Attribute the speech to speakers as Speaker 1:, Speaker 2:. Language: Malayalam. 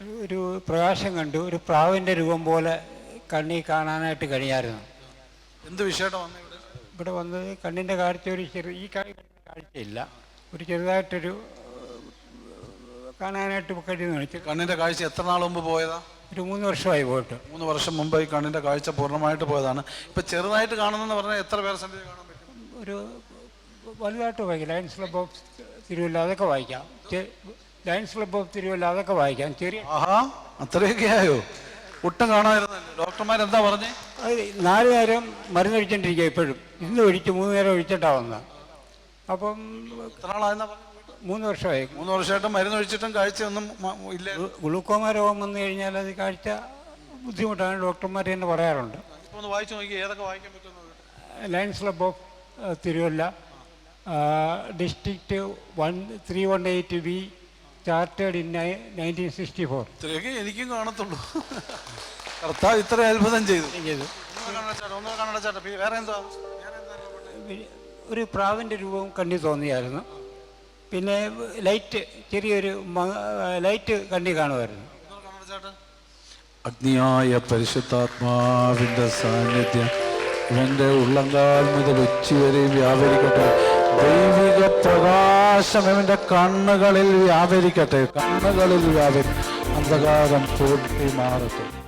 Speaker 1: ഒരു പ്രകാശം കണ്ടു. ഒരു പ്രാവിൻ്റെ രൂപം പോലെ കണ്ണി കാണാനായിട്ട് കഴിയായിരുന്നു.
Speaker 2: എന്ത് വിഷയമായിട്ട് വന്നു
Speaker 1: ഇവിടെ വന്നത് കണ്ണിൻ്റെ കാഴ്ച ഒരു ഈ കാഴ്ചയില്ല, ഒരു ചെറുതായിട്ടൊരു കാണാനായിട്ട് കഴിയുന്നു.
Speaker 2: കണ്ണിൻ്റെ കാഴ്ച എത്ര നാൾ മുമ്പ് പോയതാ?
Speaker 1: ഒരു 3 വർഷമായി പോയിട്ട്.
Speaker 2: 3 വർഷം മുമ്പ് ഈ കണ്ണിൻ്റെ കാഴ്ച പൂർണ്ണമായിട്ട് പോയതാണ്. ഇപ്പം ചെറുതായിട്ട് കാണുന്നതെന്ന് പറഞ്ഞാൽ എത്ര പേർസെൻറ്റേജ് കാണാൻ പറ്റും?
Speaker 1: ഒരു വലുതായിട്ട് വായിക്കാം. ലയൺസ് ക്ലബ് ഓഫ് തിരുവല്ല അതൊക്കെ വായിക്കാം. ലയൺസ് ക്ലബ് ഓഫ് തിരുവല്ല അതൊക്കെ വായിക്കാം. ചെറിയ
Speaker 2: അത്രയൊക്കെ ആയോ? ഒട്ടും കാണാമായിരുന്നല്ലോ. ഡോക്ടർമാരെന്താ പറഞ്ഞേ?
Speaker 1: 4 നേരം മരുന്ന് ഒഴിച്ചോണ്ടിരിക്കുക. ഇപ്പോഴും ഇന്ന് ഒഴിച്ച് 3 നേരം ഒഴിച്ചിട്ടാവുന്ന. അപ്പം
Speaker 2: എത്ര നാളായെന്നാ പറഞ്ഞത്?
Speaker 1: 3 വർഷമായി.
Speaker 2: 3 വർഷമായിട്ട് മരുന്ന് ഒഴിച്ചിട്ടും കാഴ്ചയൊന്നും ഇല്ല.
Speaker 1: ഗ്ലൂക്കോമ രോഗം വന്നു കഴിഞ്ഞാൽ അത് കാഴ്ച ബുദ്ധിമുട്ടാണ്, ഡോക്ടർമാർ തന്നെ പറയാറുണ്ട്.
Speaker 2: ഇപ്പോൾ ഒന്ന് വായിച്ചു നോക്കി, ഏതൊക്കെ വായിക്കാൻ പറ്റുന്നത്?
Speaker 1: Lions club of Thiruvalla, district 318B, chartered in 1964.
Speaker 2: ഇത്രയൊക്കെ എനിക്കും കാണത്തുള്ളൂ. കർത്താവ് ഇത്ര അത്ഭുതം ചെയ്തു. വേറെ എന്താ?
Speaker 1: ഒരു പ്രാവിൻ്റെ രൂപം കണ്ണി തോന്നിയായിരുന്നു. പിന്നെ ലൈറ്റ്, ചെറിയൊരു ലൈറ്റ് കണ്ണി കാണുമായിരുന്നു.
Speaker 2: അഗ്നിയായ പരിശുദ്ധാത്മാവിൻ്റെ സാന്നിധ്യം ഇവൻ്റെ ഉള്ളങ്കാൽ മുതൽ ഉച്ചവരെ വ്യാപരിക്കട്ടെ. ദൈവിക പ്രകാശം ഇവൻ്റെ കണ്ണുകളിൽ വ്യാപരിക്കട്ടെ. കണ്ണുകളിൽ അന്ധകാരം പൂർത്തി മാറട്ടെ.